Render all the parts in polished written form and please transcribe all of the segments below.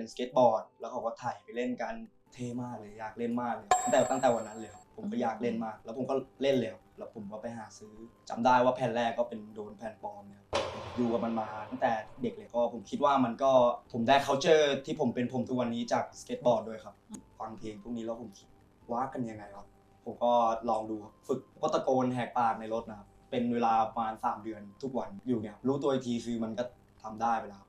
เป็นสเก็ตบอร์ดแล้วเขาก็ถ่ายไปเล่นกันเท่มากเลยอยากเล่นมากเลยตั้งแต่วันนั้นเลยครับผมก็อยากเล่นมากแล้วผมก็เล่นเลยครับแล้วผมก็ไปหาซื้อจำได้ว่าแผ่นแรกก็เป็นโดนแผ่นปลอมเนี่ยอยู่กับมันมาตั้งแต่เด็กเลยก็ผมคิดว่ามันก็ผมได้ culture ที่ผมเป็นผมทุกวันนี้จากสเก็ตบอร์ดด้วยครับฟังเพลงพวกนี้แล้วผมคิดว่ากันยังไงครับผมก็ลองดูฝึกก็ตะโกนแหกปากในรถนะครับเป็นเวลาประมาณ3 เดือนทุกวันอยู่เนี่ยรู้ตัวอีกทีคือมันก็ทำได้ไปแล้ว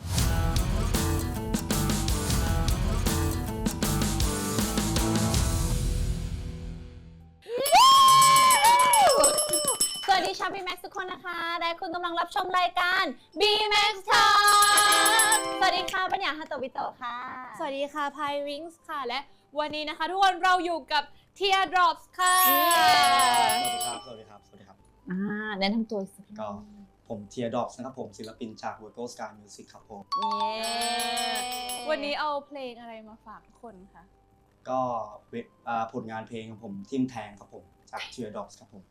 สวัสดีชาว B-Max ทุกคนนะคะและคุณกำลังรับชมรายการ B-Max Talk สวัสดีค่ะปัญญาฮาโตบิโตะค่ะสวัสดีค่ะพายวิงส์ค่ะและวันนี้นะคะทุกคนเราอยู่กับ Teardrops ค่ะสวัสดีครับแนะนำตัวสิก็ผมเทียร์ดรอปนะครับผมศิลปินจาก Virgo Sky Music ครับผมวันนี้เอาเพลงอะไรมาฝากทุกคนคะก็ผลงานเพลงของผมทิมแทงครับผมจาก Teardrops ครับผม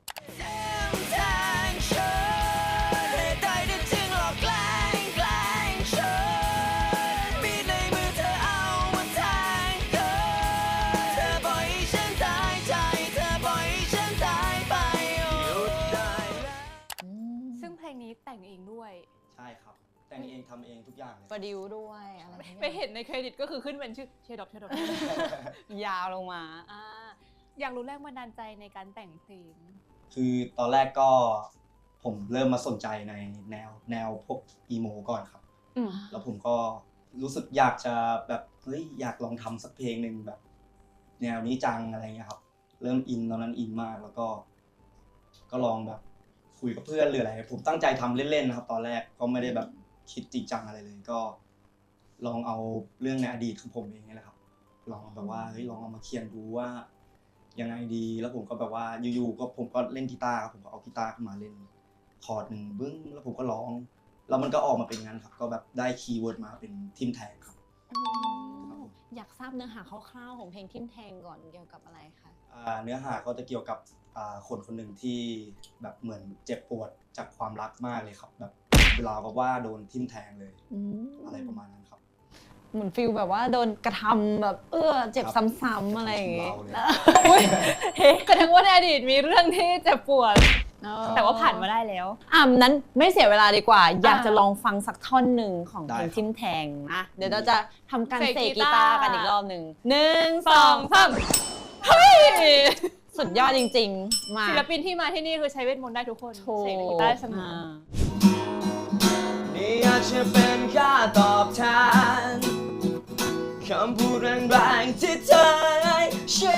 ซึ่งเพลงนี้แต่งเองด้วยใช่ครับแต่งเองทำเองทุกอย่างเลยโปรดิวด้วยอะไรไปเห็นในเครดิตก็คือขึ้นเป็นชื่อTeardrops ยาวลงมาอยากรู้แรงบันดาลใจในการแต่งเพลงคือตอนแรกก็ผมเริ่มมาสนใจในแนวพวกอีโมก่อนครับแล้วผมก็รู้สึกอยากจะแบบเฮ้ยอยากลองทำสักเพลงหนึ่งแบบแนวนี้จังอะไรเงี้ยครับเริ่มอินตอนนั้นอินมากแล้วก็ลองแบบคุยกับเพื่อนหรืออะไรผมตั้งใจทำเล่นๆนะครับตอนแรกก็ไม่ได้แบบคิดจริงจังอะไรเลยก็ลองเอาเรื่องในอดีตของผมเองนี่แหละครับลองแบบว่าเฮ้ยลองเอามาเขียนดูว่ายังไงดีแล้วผมก็แบบว่าอยู่ๆก็ผมก็เล่นกีตาร์ครับผมก็เอากีตาร์ขึ้นมาเล่นคอร์ดหนึ่งบึ้งแล้วผมก็ร้องแล้วมันก็ออกมาเป็นงั้นครับก็แบบได้คีย์เวิร์ดมาเป็นทิมแทงครับอยากทราบเนื้อหาคร่าวๆของเพลงทิมแทงก่อนเกี่ยวกับอะไรคะเนื้อหาก็จะเกี่ยวกับคนหนึ่งที่แบบเหมือนเจ็บปวดจากความรักมากเลยครับแบบเวลาก็ว่าโดนทิมแทงเลยอะไรประมาณนั้นครับเหมือนฟิลแบบว่าโดนกระทำแบบเจ็บซ้ำๆอะไรอย่างเงี้ยแสดงว่าในอดีตมีเรื่องที่เจ็บปวดแต่ว่าผ่านมาได้แล้วนั้นไม่เสียเวลาดีกว่าอยากจะลองฟังสักท่อนหนึ่งของเพลงทิมแทงนะเดี๋ยวเราจะทำการเสกกีตาร์กันอีกรอบหนึ่ง1 2 3เฮ้ยสุดยอดจริงๆมาศิลปินที่มาที่นี่คือใช้เวทมนต์ได้ทุกคนเสกกีตาร์เสมอนี่อาจจะเป็นค่าตอบแทนคำพูดแรงๆที่เธอได้ใช้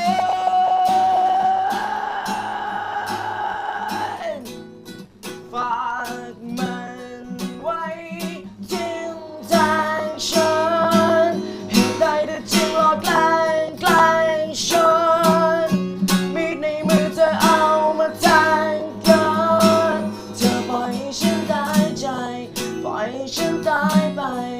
ฝากมันไว้ทิ่มแทงฉันให้ได้แต่จริงหลอกแกล้งฉันมีดในมือเธอเอามาแทงกันเธอปล่อยให้ฉันตายใจปล่อยให้ฉันตายไป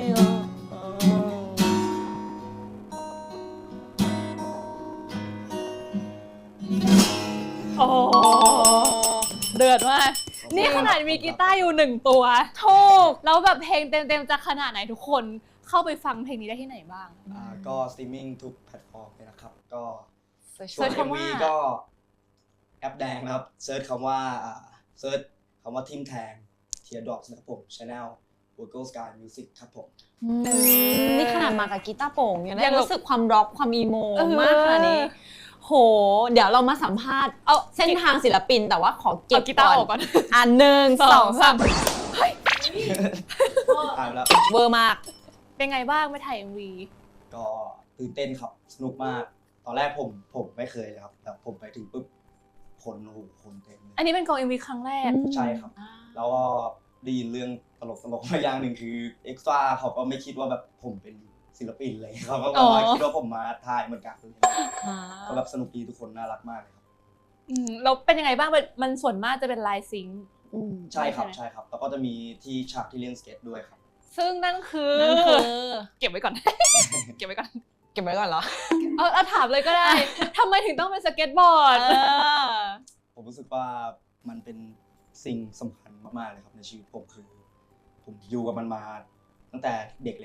โอ้เดือดมากนี่ขนาดมีกีตาร์อยู่1 ตัวถูกแล้วแบบเพลงเต็มๆจะขนาดไหนทุกคนเข้าไปฟังเพลงนี้ได้ที่ไหนบ้างก็สตรีมมิ่งทุกแพลตฟอร์มเลยนะครับก็เซิร์ชส่วนคำว่า MV ก็แอปแดงนะครับเซิร์ชคำว่าทิมแทง Teardrops นะครับผม Channel Virgo Sky Music ครับผมนี่ขนาดมากับกีตาร์โปร่งยังได้รู้สึกความร็อกความอีโมมากขนาดนี้โหเดี๋ยวเรามาสัมภาษณ์เส้นทางศิลปินแต่ว่าขอเก็บกีตาร์ออกก่อน 1 2 3 เฮ้ยตายแล้วเวอร์มากเป็นไงบ้างไปถ่าย MV ก็ตื่นเต้นครับสนุกมากตอนแรกผมไม่เคยเลยครับแต่ผมไปถึงปุ๊บคนเต็มเลยอันนี้เป็นกอง MV ครั้งแรกใช่ครับแล้วก็ได้ยินเรื่องตลกมาอย่างหนึ่งคือเอ็กซ์ตร้าเขาก็ไม่คิดว่าแบบผมเป็นศิลปินเลยเขาก็มาคิดว่าผมมาถ่ายเหมือนกันก็แบบสนุกดีทุกคนน่ารักมากเลยครับเราเป็นยังไงบ้างมันส่วนมากจะเป็นไลน์ซิงค์ใช่ครับแล้วก็จะมีที่ฉากที่เล่นสเก็ตด้วยครับซึ่งนั่นคือเก็บไว้ก่อน เก็บไว้ก่อนเหรอถามเลยก็ได้ทำไมถึงต้องเป็นสเก็ตบอร์ดผมรู้สึกว่ามันเป็นสิ่งสำคัญมากๆเลยครับในชีวิตผมคือผมอยู่กับมันมาตั้งแต่เด็กเลยครับ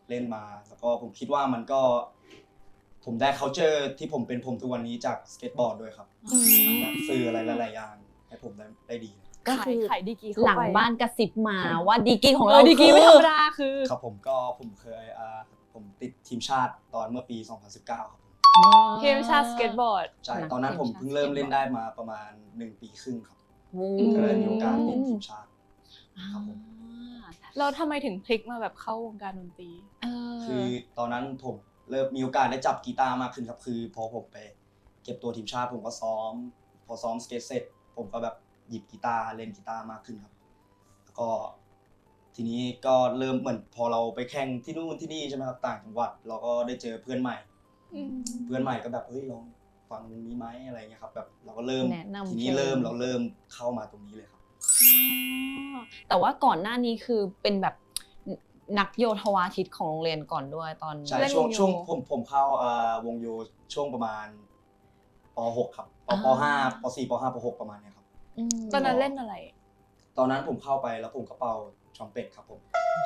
เล่นมาแล้วก็ผมคิดว่ามันก็ผมได้ culture ที่ผมเป็นผมทุกวันนี้จากสเก็ตบอร์ดด้วยครับมันแบบสื่ออะไรหลายๆอย่างให้ผมได้ดีก็คือขายดีกรีเข้าไปหลังบ้านกระซิบมาว่าดีกรีของเราดีกรีไม่ธรรมดาคือครับผมเคยผมติดทีมชาติตอนเมื่อปี 2019 ครับผมทีมชาติสเก็ตบอร์ดใช่ตอนนั้นผมเพิ่งเริ่มเล่นได้มาประมาณ1 ปีครึ่งครับอืก็เลยมีโอกาสติดทีมชาติครับผมเราทำไมถึงพลิกมาแบบเข้าวงการดนตรีคือตอนนั้นผมเริ่มมีโอกาสได้จับกีตาร์มากขึ้นครับคือพอผมไปเก็บตัวทีมชาติผมก็ซ้อมพอซ้อมสเก็ตเสร็จผมก็แบบหยิบกีตาร์เล่นกีตาร์มากขึ้นครับแล้วก็ทีนี้ก็เริ่มเหมือนพอเราไปแข่งที่นู่นที่นี่ใช่ไหมครับต่างจังหวัดเราก็ได้เจอเพื่อนใหม่ก็แบบเฮ้ยลองฟังวงนี้ไหมอะไรเงี้ยครับแบบเราก็เริ่มแนะนำทีนี้เราเริ่มเข้ามาตรงนี้เลยครับแต่ว่าก่อนหน้านี้คือเป็นแบบนักโยธวาทิตของโรงเรียนก่อนด้วยตอนใช่เล่นช่วงวงโยช่วงผมเข้าวงโยช่วงประมาณป .6 ครับป .5 ป .4 ป .5 ป .6 ประมาณเนี้ยครับตอนนั้นเล่นอะไรตอนนั้นผมเข้าไปแล้วผมก็เป่าทรัมเป็ตครับผม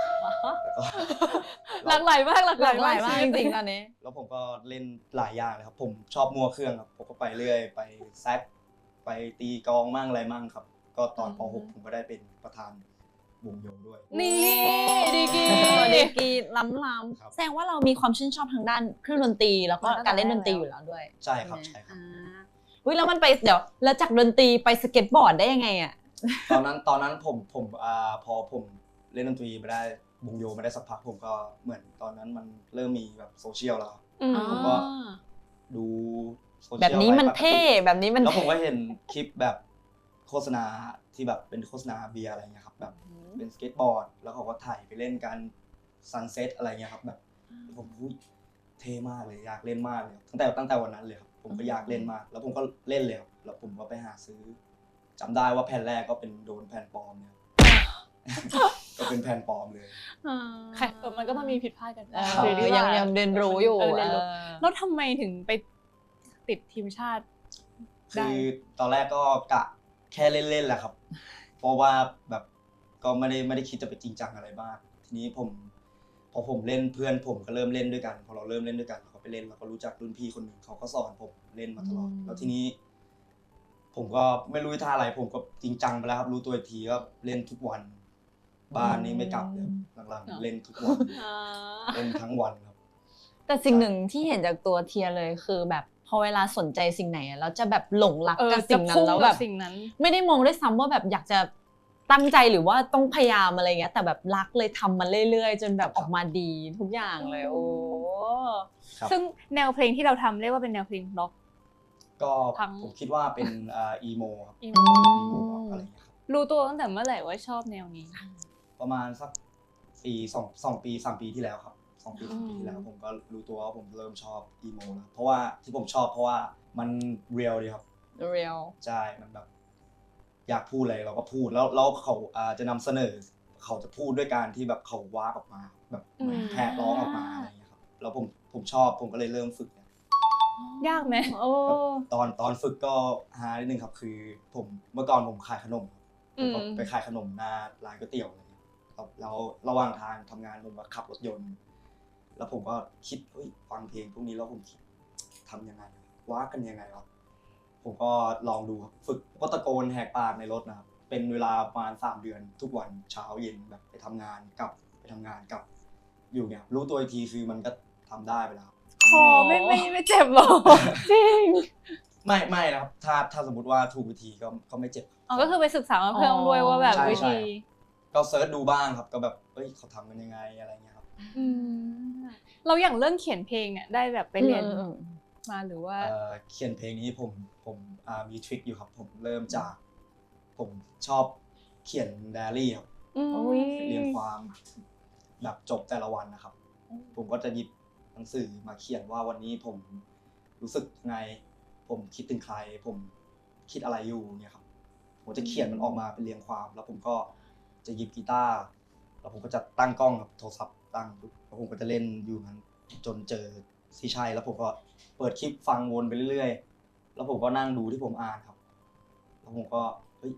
แล้วก็หลากหลายมากหลากหหลาลาย กหลายมากจชีวิตริงๆตอนนี้แล้วผมก็เล่นหลายอย่างเลยครับผมชอบมั่วเครื่องครับผมก็ไปเรื่อยไปแซกไปตีกลองมั่งอะไรมั่งครับ ก็ตอนป .6 ผมก็ได้เป็นประธานวงโยด้วยนี่ดีกรีดีกรีล้ำครับๆแสดงว่าเรามีความชื่นชอบทางด้านเครื่องดนตรีแล้วก็การเล่นดนตรีอยู่แล้วด้วยใช่ครับใช่ครับอุ้ยแล้วมันไปเดี๋ยวแล้วจากดนตรีไปสเก็ตบอร์ดได้ยังไงอ่ะตอนนั้นผมพอผมเล่นดนตรีไปได้วงโยมาได้สักพักผมก็เหมือนตอนนั้นมันเริ่มมีแบบโซเชียลแล้วครับ ผมก็ ดูโซเชียลแบบนี้มันไปปกติเท่แบบนี้มันแล้วผมก็เห็นคลิปแบบโฆษณาที่แบบเป็นโฆษณาเบียร์อะไรเงี้ยครับแบบเป็นสเก็ตบอร์ดแล้วเขาก็ถ่ายไปเล่นกันซันเซ็ตอะไรเงี้ยครับแบบผมเท่มากเลยอยากเล่นมากเลยตั้งแต่วันนั้นเลยครับผมก็อยากเล่นมากแล้วผมก็เล่นเลยครับแล้วผมก็ไปหาซื้อจำได้ว่าแผ่นแรกก็เป็นโดนแผ่นปลอมเนี่ย ก็เป็นแผ่นปลอมเลยมันก็ต้องมีผิดพลาดกันเออยังเรียนรู้อยู่เรียนรู้แล้วทำไมถึงไปติดทีมชาติ ได้คือตอนแรกก็กะแค่เล่นๆแหละครับ เพราะว่าแบบก็ไม่ได้คิดจะไปจริงจังอะไรบ้างทีนี้พอผมเล่นเพื่อนผมก็เริ่มเล่นด้วยกันพอเราเริ่มเล่นด้วยกันเราก็ไปเล่นเราก็รู้จักรุ่นพี่คนหนึ่งเขาก็สอนผมเล่นมาตลอดแล้วทีนี้ ผมก็ไม่รู้ท่าอะไรผมก็จริงจังไปแล้วครับรู้ตัวอีกทีก็เล่นทุกวัน บ้านนี้ไม่กลับเลยหลังๆเล่นทุกวันเล่นทั้งวันครับแต่สิ่งหนึ่งที่เห็นจากตัวเทียเลยคือแบบพอเวลาสนใจสิ่งไหนอะแล้วจะแบบหลงรักกับสิ่งนั้นแล้วแบบสิ่งนั้นไม่ได้มองด้วยซ้ำว่าแบบอยากจะตั้งใจหรือว่าต้องพยายามอะไรเงี้ยแต่แบบรักเลยทำมันเรื่อยๆ จนแบบออกมาดีทุกอย่างเลยโอ้ครับซึ่งแนวเพลงที่เราทำเรียกว่าเป็นแนวเพลงร็อกก็ทั้งผมคิดว่าเป็นอีโมครับอีอีโมโมอะไรอย่างเงี้ยครับรู้ตัวตั้งแต่เมื่อไหร่ว่าชอบแนวนี้ประมาณสักปี2 ปี3 ปีที่แล้วครับ2 ปี 3 ปีที่แล้วผมก็รู้ตัวว่าผมเริ่มชอบอีโมแล้วเพราะว่าที่ผมชอบเพราะว่ามันเรียลดีครับเรียลใช่มันแบบอยากพูดอะไรเราก็พูดแล้วเขาจะนำเสนอเขาจะพูดด้วยการที่แบบเขาว้ากออกมาแบบเหมือนแผดร้องออกมาอะไรอย่างเงี้ยครับแล้วผมชอบผมก็เลยเริ่มฝึกเนี่ยยากไหมโอ้ตอนฝึกก็หานิดนึงครับคือผมเมื่อก่อนผมขายขนมผมก็ไปขายขนมหน้าร้านก๋วยเตี๋ยวอะไรเงี้ยครับแล้วระหว่างทางทำงานผมก็ขับรถยนต์ แล้วผมก็คิดเฮ้ยฟังเพลงพวกนี้แล้วผมคิดทำยังไงว่ากันยังไงวะผมก็ลองดูครับฝึกก็ตะโกนแหกปากในรถนะครับเป็นเวลาประมาณ3 เดือนทุกวันเช้าเย็นแบบไปทำงานกลับไปทำงานกลับอยู่เนี่ยรู้ตัวอีกทีคือมันก็ทำได้ไปแล้วคอไม่เจ็บหรอ จริงไม่นะครับถ้าสมมติว่าถูกวิธีก็ไม่เจ็บอ๋อก็คือไปศึกษามาเพิ่มด้วยว่าแบบใช่วิธีก็เซิร์ชดูบ้างครับก็แบบเอ้ยเขาทำกันยังไงอะไรเงี้ยครับเราอย่างเรื่องเขียนเพลงเนี่ยได้แบบไปเรียนมาหรือว่าเขียนเพลงนี้ผมมีทริคอยู่ครับผมเริ่มจากผมชอบเขียนไดอารี่ครับ เรียงความแบบจบแต่ละวันนะครับ ผมก็จะหยิบหนังสือมาเขียนว่าวันนี้ผมรู้สึกไง ผมคิดถึงใคร ผมคิดอะไรอยู่เนี่ยครับ ผมจะเขียนมันออกมาเป็นเรียงความ แล้วผมก็จะหยิบกีตาร์แล้วผมก็จะตั้งกล้องกับโทรศัพท์ตั้งแล้วผมก็จะเล่นอยู่นั้นจนเจอที่ใช่แล้วผมก็เปิดคลิปฟังวนไปเรื่อยๆแล้วผมก็นั่งดูที่ผมอ่านครับแล้วผมก็เฮ้ย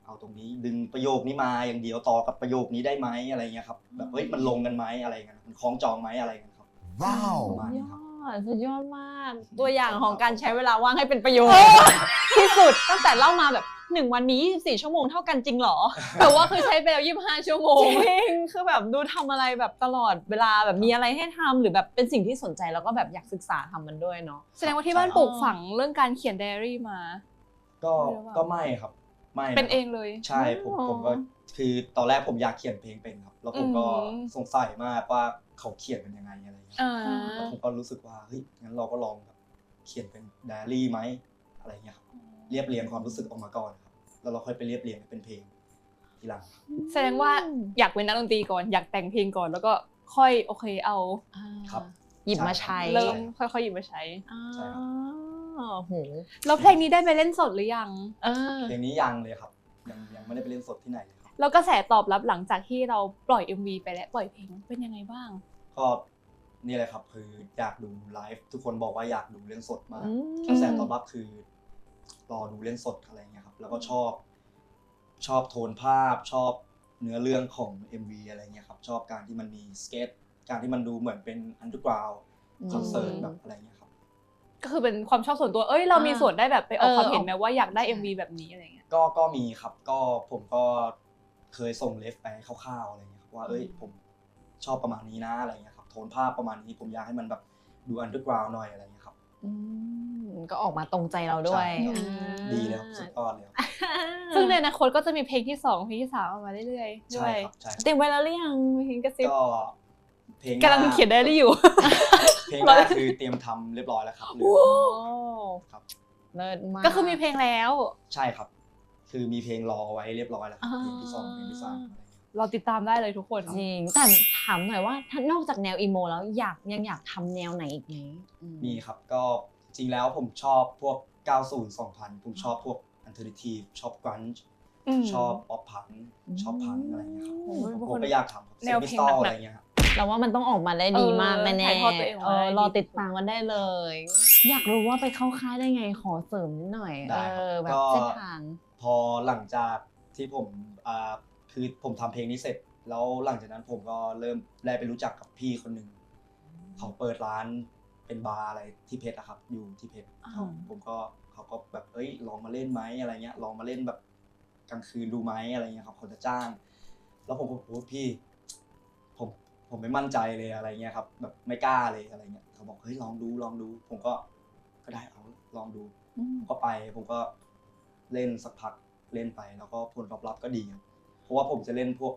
เอาตรงนี้ดึงประโยคนี้มาอย่างเดียวต่อกับประโยคนี้ได้ไหมอะไรเงี้ยครับแบบเฮ้ยมันลงกันไหมอะไรเงี้ยมันคล้องจองไหมอะไรเงี้ยครับว้าวประมาณนี้ครับสุดยอดมาก ตัวอย่างของการใช้เวลาว่างให้เป็นประโยชน์ที่สุดตั้งแต่เล่ามาแบบ1 วันนี้24 ชั่วโมงเท่ากันจริงเหรอแต่ว่าคือใช้ไปแล้ว25 ชั่วโมจงริงคือแบบดูทำอะไรแบบตลอดเวลาแบบมีอะไรให้ทำหรือแบบเป็นสิ่งที่สนใจแล้วก็แบบอยากศึกษาทำมันด้วยเนาะแสดงว่าที่บ้านปลูกฝังเรื่องการเขียนไดอารี่มาก็ไม่ครับไม่เป็นเองเลยใช่ผมก็คือตอนแรกผมอยากเขียนเพลงเป็นครับแล้วผมก็สงสัยมากว่าเขาเขียนเป็นยังไงอะไรเงี้ย แล้วผมก็รู้สึกว่าเฮ้ยงั้นเราก็ลองแบบเขียนเป็นไดอารี่ไหมอะไรเงี้ยครับเรียบเรียงความรู้สึกออกมาก่อนครับแล้วเราค่อยไปเรียบเรียงเป็นเพลงทีหลังแสดงว่าอยากเป็นนักดนตรีก่อนอยากแต่งเพลงก่อนแล้วก็ค่อยโอเคเอาครับหยิบมาใช้เริ่มค่อยๆหยิบมาใช้ใช่ครับโหแล้วเพลงนี้ได้ไปเล่นสดหรือยังเพลงนี้ยังเลยครับยังไม่ได้ไปเล่นสดที่ไหนเลยครับแล้วกระแสตอบรับหลังจากที่เราปล่อย MV ไปและปล่อยเพลงเป็นยังไงบ้างก็นี่แหละครับคืออยากดูไลฟ์ทุกคนบอกว่าอยากดูเล่นสดมากอืมกระแสตอบรับคือรอดูเล่นสดอะไรเงี้ยครับแล้วก็ชอบโทนภาพชอบเนื้อเรื่องของ MV อะไรเงี้ยครับชอบการที่มันมีสเก็ตการที่มันดูเหมือนเป็นอันเดอร์กราวด์คอนเสิร์ตแบบอะไรเงี้ยครับก็คือเป็นความชอบส่วนตัวเรามีส่วนได้แบบไปออกความเห็นไหมว่าอยากได้ MV แบบนี้อะไรเงี้ยก็มีครับก็ผมก็เคยส่งเลฟไปคร่าวๆอะไรเงี้ยครับว่าผมชอบประมาณนี้นะอะไรเงี้ยครับโทนภาพประมาณนี้ผมอยากให้มันแบบดูอันเดอร์กราวด์หน่อยอะไรเงี้ยครับก็ออกมาตรงใจเราด้วยใช่ครับ ดีเลยครับสุดยอดเลยครับซึ่งในอนาคตก็จะมีเพลงที่2เพลงที่3ออกมาเรื่อยๆด้ใช่วยครับใช่ครับเตรียมไว้แล้วหรือยังเพลงกระซิบก็เพลงกำลังเขียนไดอารี่อยู่เพลงแรกคือเตรียมทำเรียบร้อยแล้วครับเหลือครับเลิศมากก็คือมีเพลงแล้วใช่ครับ คือมีเพลงรอไว้เรียบร้อยแล้วครับเพลงที่ 2เพลงที่ 3อะไรเงี้ยเราติดตามได้เลยทุกคนจริงแต่ถามหน่อยว่าถ้านอกจากแนวอีโมแล้วยังอยากทำแนวไหนอีกไหมมีครับก็จริงแล้วผมชอบพวก 90 2000 ผมชอบพวก alternative ชอบ grunge ชอบ pop punk ชอบ punk อะไรเงี้ยครับผมก็อยากทำครับแนวเพลงหนักๆอะไรเงี้ยครับเราว่ามันต้องออกมาได้ดีมากแน่ถ่ายทอดตัวเองออกมาได้ดีรอติดตามกันได้เลย อยากรู้ว่าไปเข้าค่ายได้ไงขอเสริมนิดหน่อยได้ครับแบบก็เส้นทางพอหลังจากที่ผมคือผมทำเพลงนี้เสร็จแล้วหลังจากนั้นผมก็เริ่มได้ไปรู้จักกับพี่คนหนึ่งเขาเปิดร้านเป็นบาร์อะไรที่เพชรอะครับอยู่ที่เพชร ผมก็เขาก็แบบลองมาเล่นไหมอะไรเงี้ยลองมาเล่นแบบกลางคืนดูไหมอะไรเงี้ยครับเขาจะจ้าง แล้วผมก็โอ้พี่ผมไม่มั่นใจเลยอะไรเงี้ยครับแบบไม่กล้าเลยอะไรเงี้ยเขาบอกลองดูผมก็ได้เอาลองดูผมก็ไปผมก็เล่นสักพักเล่นไปแล้วก็ผลตอบรับก็ดีครับเพราะว่าผมจะเล่นพวก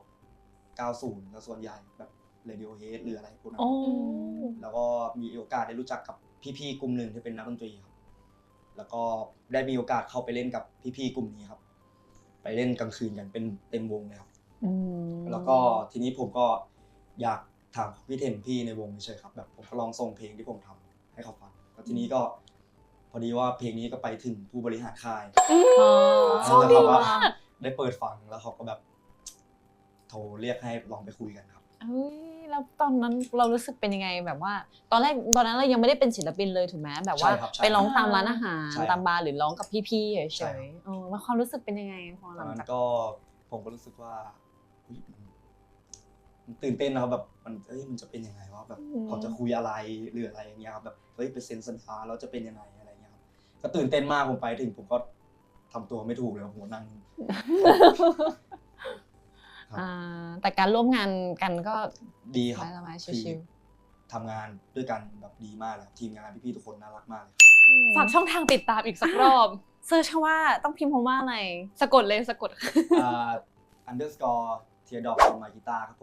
90แล้วส่วนใหญ่แบบ Radiohead หรืออะไรพวกนั้นแล้วก็มีโอกาสได้รู้จักกับพี่ๆกลุ่มหนึ่งที่เป็นนักดนตรีครับแล้วก็ได้มีโอกาสเข้าไปเล่นกับพี่ๆกลุ่มนี้ครับไปเล่นกลางคืนกันเป็นเต็มวงเลยครับแล้วก็ทีนี้ผมก็อยากถามพี่เทนพี่ในวงเฉยๆครับแบบผมก็ลองส่งเพลงที่ผมทำให้เขาฟังแล้วทีนี้ก็พอดีว่าเพลงนี้ก็ไปถึงผู้บริหารค่ายแล้วเขาก็ได้เปิดฟังแล้วเขาก็แบบโทรเรียกให้ลองไปคุยกันครับแล้วตอนนั้นเรารู้สึกเป็นยังไงแบบว่าตอนนั้นเรายังไม่ได้เป็นศิลปินเลยถูกไหมแบบว่าไปร้องตามร้านอาหารตามบาร์หรือร้องกับพี่ๆเฉยๆแล้วความรู้สึกเป็นยังไงพอหตลัอนงนั้จากนก็ผมก็รู้สึกว่ามันตื่นเต้นนะครับแบบมันจะเป็นยังไงวะแบบเขาจะคุยอะไรหรืออะไรอย่างเงี้ยครับแบบไปเซ็นสัญญาแล้วจะเป็นยังไงอะไรเงี้ยครับก็ตื่นเต้นมากผมไปถึงผมก็ทำตัวไม่ถูกเลยผมนั่งแต่การร่วมงานกันก็ดีครับสบายๆคือชิวทำงานด้วยกันแบบดีมากเลยครับทีมงานพี่ๆทุกคนน่ารักมากเลยๆฝากช่องทางติดตามอีกสักรอบเซิร์ชว่าต้องพิมพ์คำว่าอะไรสะกดเลยสะกด underscore teardrop on my guitar ครับผม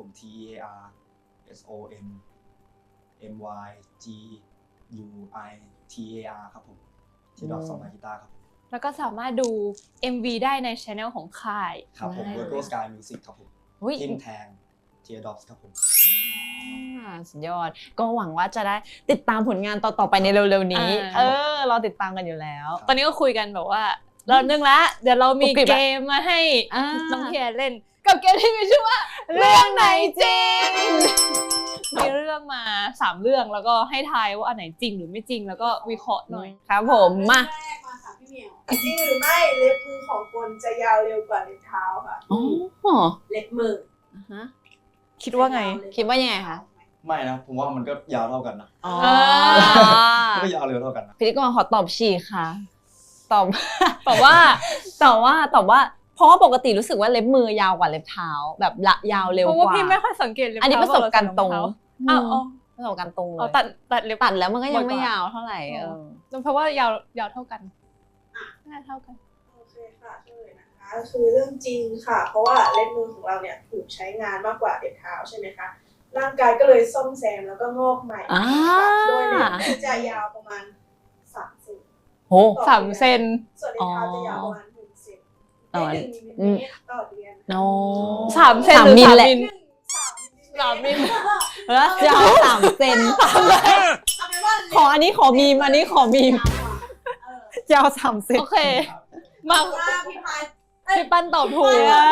TEARSONMYGUITAR ครับผม teardrop on my guitar ครับผมแล้วก็สามารถดู MV ได้ในช anel ของค่ายครับผม Virgo Sky Music ครับผมอุ๊ยทิมแทง teardrops ครับผมสุดยอดก็หวังว่าจะได้ติดตามผลงานต่อๆไปในเร็วๆนี้เราติดตามกันอยู่แล้วตอนนี้ก็คุยกันแบบว่าเรานึงละเดี๋ยวเรามีกรุบกริบเกละมมาให้อ่าน้องเทียนเล่น กับเกมที่มีชื่อว่าเรื่องไหนจริง มีเรื่องมา3เรื่องแล้วก็ให้ทายว่าอันไหนจริงหรือไม่จริงแล้วก็วิเคราะห์หน่อยครับผมมาแรกมาค่ะพี่พี่เหมียวจริงหรือไม่เล็บมือของคนจะยาวเร็วกว่าเล็บเท้าค่ะอ๋อเล็บมือฮะคิดว่าไงคิดว่ายังไงคะไม่นะผมว่ามันก็ยาวเท่ากันนะอ๋อมันก็ยาวเร็วเท่ากันนะพิธีกรขอตอบฉีกค่ะ ตอบบอกว่าตอบว่าเพราะว่าปกติรู้สึกว่าเล็บมือยาวกว่าเล็บเท้าแบบละยาวเร็วเพราะกว่าว่าพี่ไม่ค่อยสังเกตเลยอันนี้ประสบการณ์ตรงอ้าวอ๋อประสบการณ์ตรงเลอ๋อย ตัดเล็บตัดแล้วมันก็ยังไม่บ่อยกว่ายาวเท่าไหร่เพราะว่ายาวเท่ากันน่าเท่ากันโอเคค่ะเฉลยนะคะคือเรื่องจริงค่ะ เพราะว่าเล็บมือของเราเนี่ยถูกใช้งานมากกว่าเล็บเท้าใช่ไหมคะร่างกายก็เลยซ่อมแซมแล้วก็งอกใหม่ค่ะโดยเล็บที่จะยาวประมาณ3 เซนโห 3 เซนส่วนเล็บเท้าจะยาวประมาณ1 เซนอ๋อได้1 มิลลิเมตรต่อเดือนโน 3 เซนหรือมิล 3 แหละมิล 3 มิลลิเมตรแล้วยาว3 เซนเอาเป็นว่าขออันนี้ขอมีมอันนี้ขอมีม ยาว3 เซนโอเค มาว่าพี่พายพี่ปั้นตอบถูก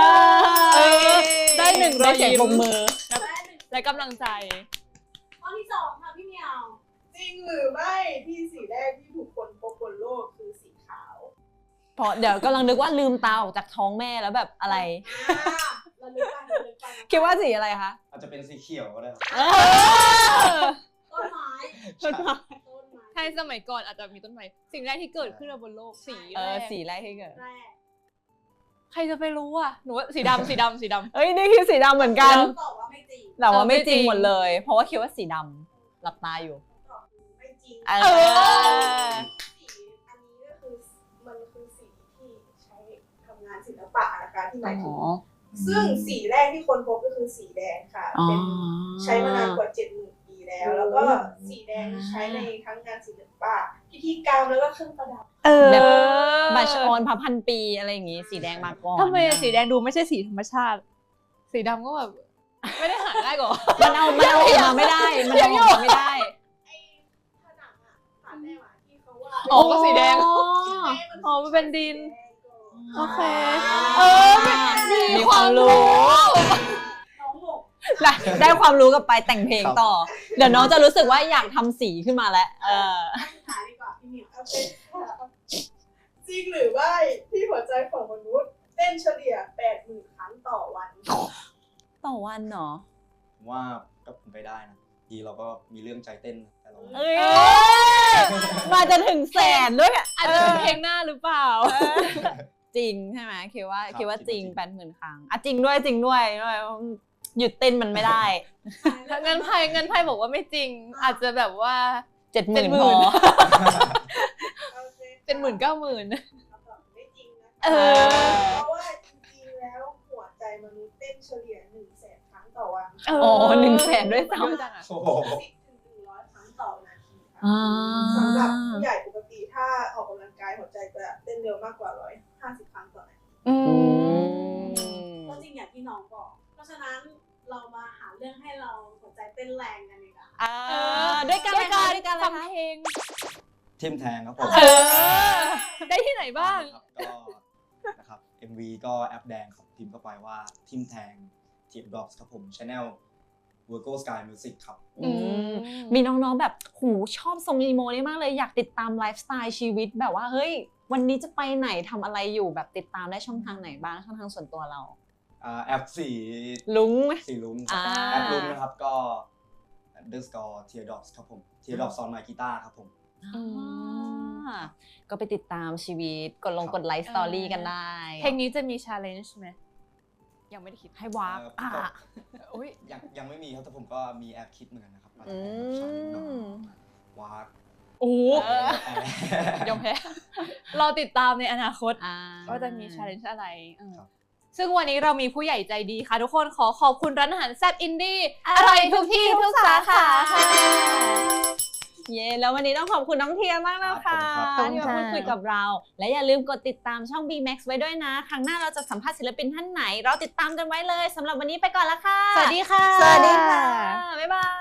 ได้1 ได้เสียงปรบมือได้หนึ่งและกำลังใจข้อที่2ค่ะพี่เหมียว จริงหรือไม่ที่สีแรกที่ถูกคนพบบนโลกคือสีขาวเพราะเดี๋ยวกำลังนึกว่าลืมตาออกจากท้องแม่แล้วแบบอะไรเราลึกไปเราลึกไปนะคิดว่าสีอะไรคะอาจจะเป็นสีเขียวก็ได้ต้นไม้ต้นไม้ต้นไม้ใช่สมัยก่อนอาจจะมีต้นไม้สิ่งแรกที่เกิดขึ้นบนโลกสีแรกสีแรกที่เกิดแรกใครจะไปรู้อ่ะหนูว่าสีดำสีดำสีดำเอ้ยนี่คือสีดำเหมือนกันตอบว่าไม่จริงแต่ว่าไม่จริงไม่จริงหมดเลย เพราะว่าคิดว่าสีดำหลับตาอยู่ตอบไม่จริงเอเออสีอันนี้ก็คือมันคือสีที่ใช้ทำงานศิลปะนะคะที่หมายถึงซึ่งสีแรกที่คนพบก็คือสีแดงค่ะเป็นใช้มานานกว่า 70,000 ปีแล้ว แล้วก็สีแดงใช้ในทั้งงานศิลปะพิธีกรรมแล้วก็เครื่องประดับแบบบัชออนพันปีอะไรอย่างงี้ สีแดงมาก่อนทำไมสีแดงดูไม่ใช่สีธรรมชาติ สีดำก็แบบไม่ได้หาง่ายกว่ามันเอาออกมาไม่ได้ มันเอาออกมาไม่ได้ไอ้ผนังอะผ่านแม่หมาที่เขาว่าอ๋อก็สีแดงอ๋ออ๋อมันเป็นดิน โอเคมีความรู้น้องหกได้ความรู้กลับไปแต่งเพลงต่อ เดี๋ยวน้องจะรู้สึกว่าอยากทำสีขึ้นมาแล้วสุดท้ายดีกว่าพี่เหมียวโอเคค่ะจริงหรือไม่ที่หัวใจของมนุษย์เต้นเฉลี่ย 80,000 ครั้งต่อวันต่อวันเนาะผมว่าก็เป็นไปได้นะทีเราก็มีเรื่องใจเต้นแต่เราเอ้ยมาจะถึงแสนด้วยอะอาจจะเป็นเพลงหน้าหรือเปล่าจริงใช่ไหมคิดว่าจริง80,000 ครั้งอ่ะจริงด้วยหยุดเต้นมันไม่ได้เงินไพ่บอกว่าไม่จริง อาจจะแบบว่า 70,000 พอโอเค 90,000 คำตอบไม่จริงนะคะเออเพราะว่าจริงๆแล้วหัวใจมนุษย์เต้นเฉลี่ย 100,000 ครั้งต่อวันอ๋อ100,000ด้วยซ้ำเยอะจังอะโอ้โห 10 ถึง 100 ครั้งต่อนาทีค่ะอ่าสำหรับผู้ใหญ่ปกติถ้าออกกำลังกายหัวใจจะเต้นเร็วมากกว่า 150 ครั้งต่อนาทีอืมก็จริงอย่างที่น้องบอก เพราะฉะนั้นเรามาหาเรื่องให้เราหัวใจเต้นแรงกันดีกว่าด้วยกันเลยค่ะด้วยกันเลยฟังค่ะเพลงทิมแทงครับผมได้ที่ไหนบ้างก็นะครับ MV ก็แอปแดงครับพิมพ์เข้าไปว่าทิมแทงทีมดรอปครับผม Channel Virgo Sky Music ครับมีน้องๆแบบหูชอบทรงอีโมนี่มากเลยอยากติดตามไลฟ์สไตล์ชีวิตแบบว่าเฮ้ยวันนี้จะไปไหนทำอะไรอยู่แบบติดตามได้ช่องทางไหนบ้างช่องทางส่วนตัวเราแอปสีลุงไหมสีลุงอ่าแอปลุงนะครับก็ underscore teardrops ครับผม teardrops on my guitar ครับผมก็ไปติดตามชีวิตกดไลฟ์สตอรี่กันได้เพลงนี้จะมี challenge ไหมยังไม่ได้คิดให้วากอุ้ยยังไม่มีครับแต่ผมก็มีแอปคิดเหมือนกันนะครับอาจอืจะเป็นแบบ challenge มวากโอ้โหแอร์ยอมแพ้ รอติดตามในอนาคตอ่าว่าจะมี challenge อะไรครับซึ่งวันนี้เรามีผู้ใหญ่ใจดีค่ะ ทุกคนขอขอบคุณร้านอาหารแซ่บอินดี้อร่อยทุกที่ทุกสาขาค่ะเย้แล้ววันนี้ต้องขอบคุณน้องเทียมากนะคะขอบที่มาพูดคุยกับเรา และอย่าลืมกดติดตามช่อง B-Max ไว้ด้วยนะ ครั้งหน้าเราจะสัมภาษณ์ศิลปินท่านไหน เราติดตามกันไว้เลยสำหรับวันนี้ไปก่อนละค่ะสวัสดีค่ะสวัสดีค่ะ บ๊ายบาย